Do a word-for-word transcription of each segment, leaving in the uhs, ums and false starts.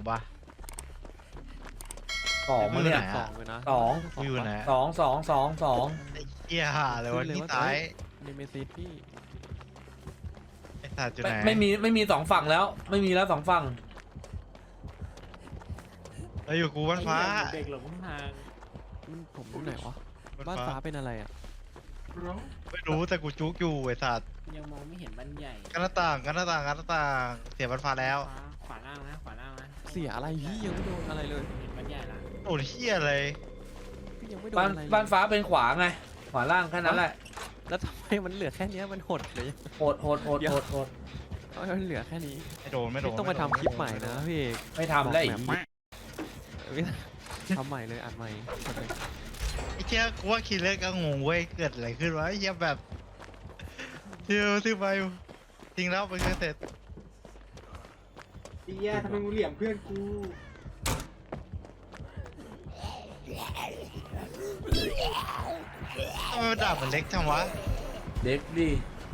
ปะสองมั้งเนี่ยสองเลยนะสองกูอยู่ไหนสองสองสองสองไอ้เหี้ยหาเลยวันที่ตายเนเมซิสพี่ไอ้สัตว์อยู่ไม่ไหนไม่มีไม่มีสองฝั่งแล้ว ไม่มีแล้วสองฝั่งเราอยู่กูบ้านฟ้าเด็กหลงทางมันผมอยู่ไหนวะบ้านฟ้าเป็นอะไรอ่ะไม่รู้แต่กูจุกอยู่ไอ้สัตว์ยังมองไม่เห็นบ้านใหญ่กันหน้าต่างกันหน้าต่างกันหน้าต่างเสียบ้านฟ้าแล้วขวาล่างนะขวาล่างนะเสียอะไรพี่ยังไม่โดนอะไรเลยเห็นบ้านใหญ่ละโอ้ยเหี้ยเลยพี่ยังไม่โดนบ้านอะไรเลยบ้านฟ้าเป็นขวาไง ขวาล่างแค่นั้นแหละแล้วทำไมมันเหลือแค่เนี้ยมันหดเลยโหดโหดโหดโหดโหดทำไมมันเหลือแค่นี้ไม่โดนไม่โดพี่นต้องมาทำคลิปใหม่นะพี่เอกไม่ทำแล้วอีกพี่ทำใหม่เลยอัดใหม่ไอ้เชี่ยกูว่าคิดเล็กก็งงเว้ยเกิดอะไรขึ้นวะไอ้เชี่ยแบบเที่ยวที่ไปทิ้งแล้วไปเสร็จเฮียทำไมมึงเหลี่ยมเพื่อนกูทำไมมันดาบมันเล็กจังวะเด็กดิ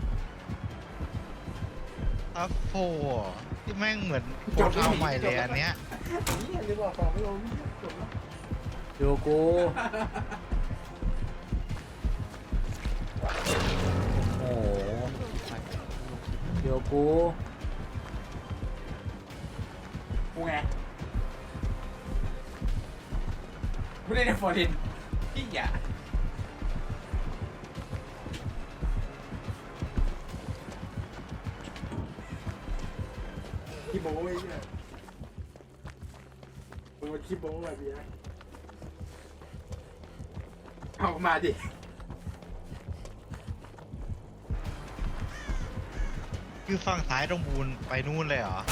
อัพโฟที่แม่งเหมือนโปรเท้าใหม่เลยอันเนี้ยเฮียจะบอกของไม่ลงจบแล้วโยโกูโอ้โหโยโกูกูไงกูได้ในฟอร์ดินพี่อย่าคิโบ้ไอ้เนี่ยโอ้คิโบ้แบบนี้เอามาดิคือฝั่งซ้ายตรงบูนไปนู่นเลยเหรอ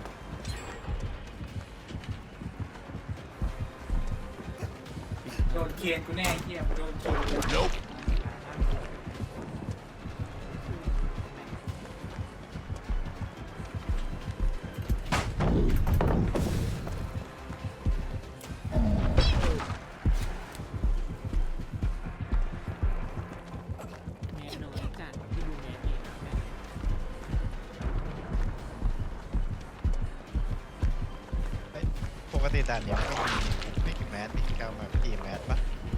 โดนเคียนกูแน่เฮียมาโดนเคียน แม่น้อยจัดที่ดูแม่เองนะแม่ปกติด่านเนี้ยก็มีไม่กี่แมสไม่กี่เก้ามากี่แมสปะ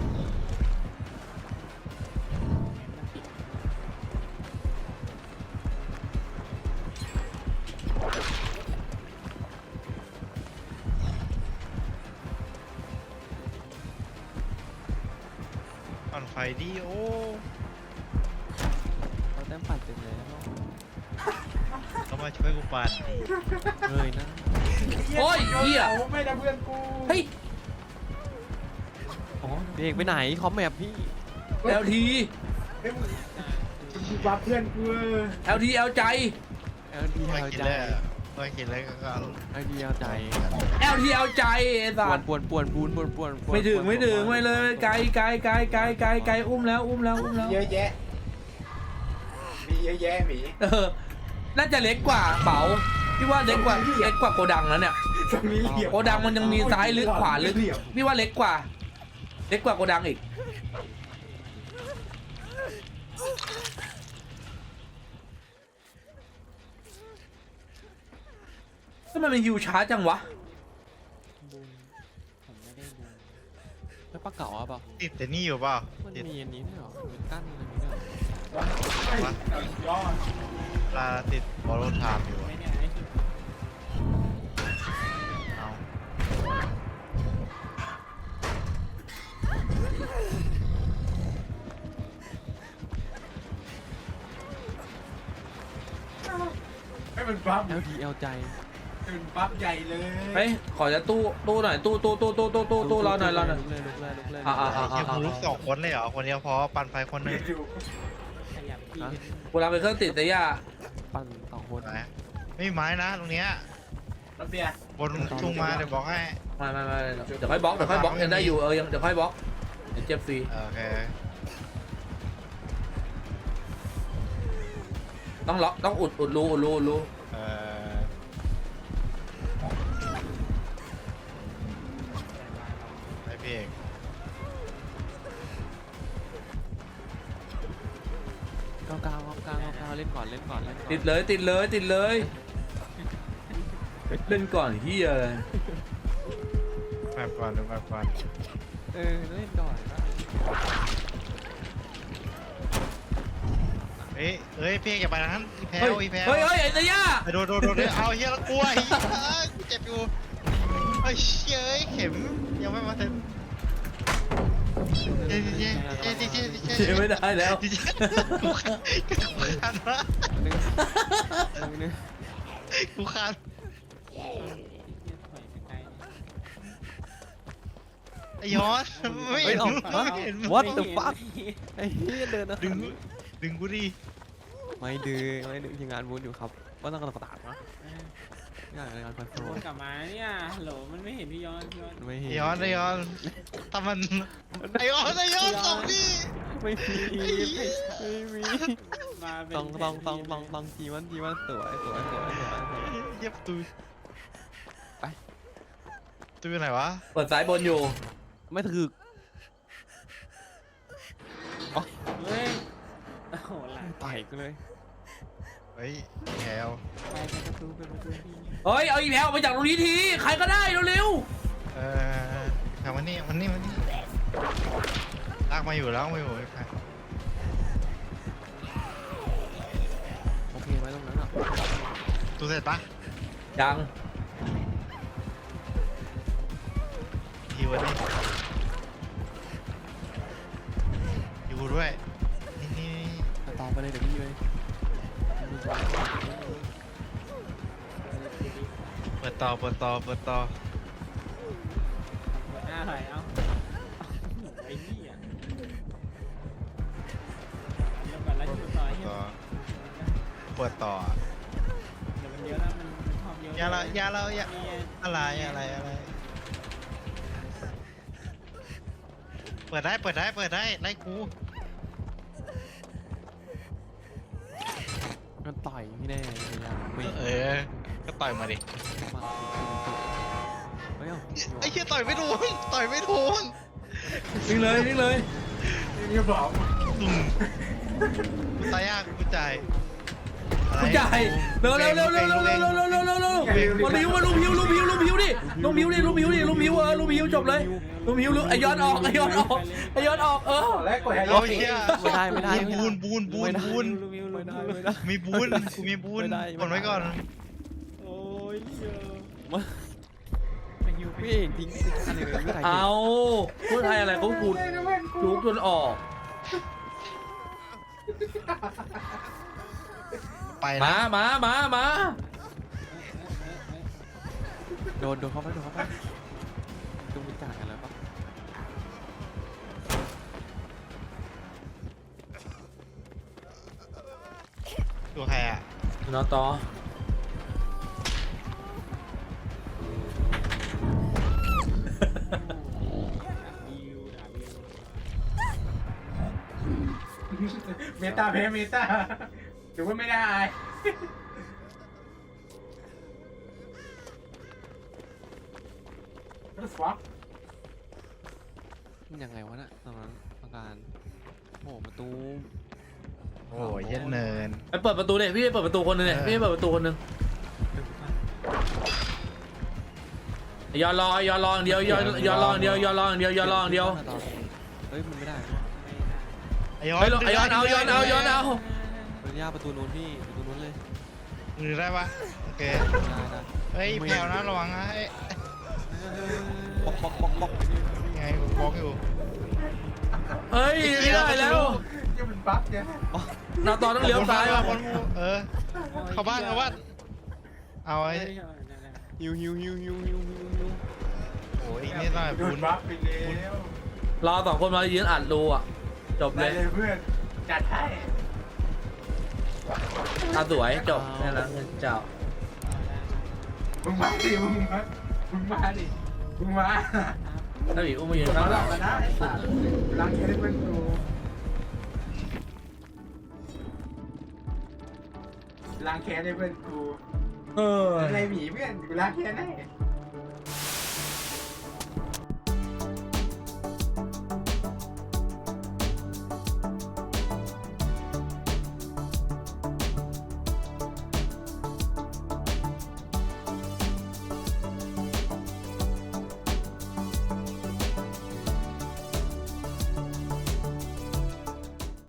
ปั่นไฟดิโอ้เราแต้มปัดเต็มแล้วเขามาช่วยกูปั่นเลยนะโอ้ยเหี้ยไม่ได้เพื่อนกูเฮ้ยอ๋อพี่เอกไปไหนคอมแมปพี่แอลทีเฮ้ยมึงกูบัฟเพื่อนกูแอลทีแอลใจเอลดีไม่เอากินใจเลยไม่กินเลยก็เอาเอลดีเอาใจแอลทีแอลใจไอ้สัปวสนปวนปวนปูนปวนปวนปวนไม่ถึงปวนไม่ถึงปวนไม่เลยไกลไกลไกลไกลไกลไกลอุ้มแล้วอุ้มแล้วอุ้มแล้วเยอะแยะ มีเยอะแยะหมีเออน่าจะเล็กกว่าเป๋าพี่ว่าเล็กกว่าเล็กกว่าโกดังแล้วเนี่ยตรงนี้เหลี่ยมโกดังมันยังมีซ้ายลึกขวาลึกพี่ว่าเล็กกว่า เล็กกว่าโกดังอีกทำไมมันฮิวช้าจังวะบุญผมไม่ได้บุญแล้วปลาเก๋าอะเปล่าติดแต่นี่อยู่เปล่ามันติดมีอันนี้ด้วยเหรอมีกั้นอะไรนี้ด้วยเหรอยอดลาติดบอลลูนไทม์อยู่ไม่เนี่ยไอ้ที่เอาไม่เป็นบัฟเอลดีเอลใจเป็นบัฟใหญ่เลยเฮ้ยขอจะตู้ตู้หน่อยตู้ตู้ตู้ตู้ตู้ตู้ตู้รอหน่อยรอหน่อยลุกเลยลุกเลยลุกเลยอ่ะอ่ะไอ้เชี่ยกูรู้สองคนเลยเหรอคนเดียวพอปั่นไฟคนหนึ่งดูขยับที่กูรับไปเครื่องติดแต่ย่าปั่นสองคนนะไม่มีไม้นะตรงเนี้ยรถเบียร์บนทุ่งมาเดี๋ยวบอกให้ไม่ไม่ไม่เดี๋ยวค่อยบล็อกเดี๋ยวค่อยบล็อกยังได้อยู่เออยังเดี๋ยวค่อยบล็อกเดี๋ยวเจ็บฟรีโอเคต้องล็อกต้องอุดอุดรูอุดรูอุดรูเออ ไอพี่เอกเก้าเก้าเก้าเก้าเก้าเล่นก่อนเล่นก่อนเล่นก่อนติดเลยติดเลยติดเลยเล่นก่อนเฮียเลยแบบก่อนหรือแบบก่อนเออเล่นก่อนนะเอ้ยเอ้ยพี่อย่าไปทางนั้นอีแพลเฮ้ยวอีแพลวเฮ้ยเฮ้ยไอ้ตะย่าไปโดนโดนโดนเอาเฮียแล้วกลัวไอ้เหี้ยกูเจ็บอยู่ไอ้เชี่ยเอ้ยเข็มยังไม่มาถึงเจ๊เจ๊เจ๊เจ๊เจ๊เจ๊เชียร์ไม่ได้แล้วเจ๊กูขาดวะนึงนึงกูขาด ไอ้ยอดไม่เฮ้เห็ยนเอาไม่เห็น what the fuck ไอ้เหี้ยเดินนะดึงดึงกูดิไม่ดึงไม่ดึงทีมงานบูธอยู่ครับว่าต้องกระตัดนะงานงานคอนโทรวนกลับมาเนี่ยฮัลโหลมันไม่เห็นพี่ย้อนพี่ย้อนไม่ไอ้เห็นยอดไอ้ยอดถ้ามันไอ้ยอดไอ้ยอดส่งดิไม่มีไม่มีมาเป็นต้องต้องต้องต้องต้องทีวันทีวันสวยสวยสวยสวยสวยเย็บตูไปตูอยู่ไหนวะเปิดสายบนอยู่ไม่ถึกเฮ้ยโอ้โหหลังต่อยกูเลยเฮ้ยแถวไปเป็นประตูเป็นประตูพี่เฮ้ยเอาอีแพลออกไปจากตรงนี้ทีใครก็ได้เร็วเออแถวมันนี่มันนี่มันนี่ลากมาอยู่แล้วมาอยู่ไอ้แพรโอเคไว้ตรงนั้นอ่ะตูเสร็จปะๆยังทีวันนี้อยู่ด้วยนี่นี่นี่ต่อไปเลยเดี๋ยวพี่เลยเปิดต่อเปิดต่อเปิดต่อหัวหน้าถอยเอ้าไอ้นี่อ่ะเริ่มก่อนแล้วจุดต่อเฮียต่อเปิดต่อเดี๋ยวมันเยอะแล้วมันชอบเยอะอย่าละอย่าละอย่านี่อะไรอะไรอะไรเปิดได้เปิดได้เปิดได้ไล่กูมันต่อยพี่แน่เลยยังไม่เออก็ต่อยมาดิมาเฮ้ยไอ้เหี้ยต่อยไม่โดนต่อยไม่โดนนิ่งเลยนิ่งเลยนี่บอกตุ่มกูตายยากกูจ่ายอะไรคุณจ่ายเร็วเร็วเร็วเร็วเร็วเร็วเร็วเร็วเร็วเร็วเร็วมาลิ้วมาลุมหิวลุมหิวลุมหิวดิลุมหิวดิลุมหิวดิลุมหิวเออลุมหิวจบเลยลุมหิวลุมไอยอดออกไอยอดออกไอยอดออกเออแรกกดให้โอ้เรายเหี้ยไม่ได้ไม่ได้บูนบูนบูนบูนลูมิวลูไม่มิได้วไม่ได้มีบูนกูมีบูนไม่ได้กดไว้ก่อนโอ้ยเยอะมาไปฮิวไปพี่เองทิ้งอันนี้เลยไม่ได้เอาพูดไทยอะไรเขาพูดจุกจนออกไปมานะมามามาโดนโดนเข้าไปโดนเข้าไปต้องมีจ่ายกันแล้วปะตัวใครอ่ะนอต่อฮิวดาบฮิวเมตาเพเมตาหรือว่าไม่ได้ก็สวัสดมันยังไงวะน่ะตอนนั้นอาการโอ้ประตูโอ้ยเย็นเนินไปเปิดประตูเนี่ยพี่ไปเปิดประตูคนหนึงเนี่ยพี่ไปเปิดประตูคนหนึงยอนรอยอนรออย่างเดียวยอนยอนรออย่างเดียวยอนรออย่างเดียวยอนรออย่างเดียวเฮ้ยมันไม่ได้ไอ้ยอเฮ้ยนไอยอนเอายอนเอายอนเอามันยากประตูนู้นพี่ประตูนู้นเลยหรือได้ปะโอเคได้ได้เฮ้ยแพลวนะระวังนะเอ้ยบล็อกบล็อกบล็อกบล็อกไงกูบล็อกอยู่เฮ้ยไม่ได้แล้วยังเป็นบั๊กเนี่ยนอต่อต้องเลี้ยวซ้ายว่ะคนมูเออ เข้าบ้านเข้าบ้านเอาไอ้ฮิวฮิวฮิวฮิวฮิวฮิวฮิวโอ้ยอีกนิดหน่อยโดบูนนบั๊กไปแล้วรอสองคนมายืนอัดรูอ่ะจบเลได้ยเลยเพื่อนจัดให้ตาสวยจบนี่แหละเจ้ามึงมาดิมึงมามึงมาดิมึงมาถ้าบีอุ้มมายืนเราข้างหหลัลังบกันนะไอ้สัตว์ล้างแค้นให้เพื่อนกูล้างแค้นให้เพื่อนกูเอออะไรหมีเพื่อนกูล้างแค้นให้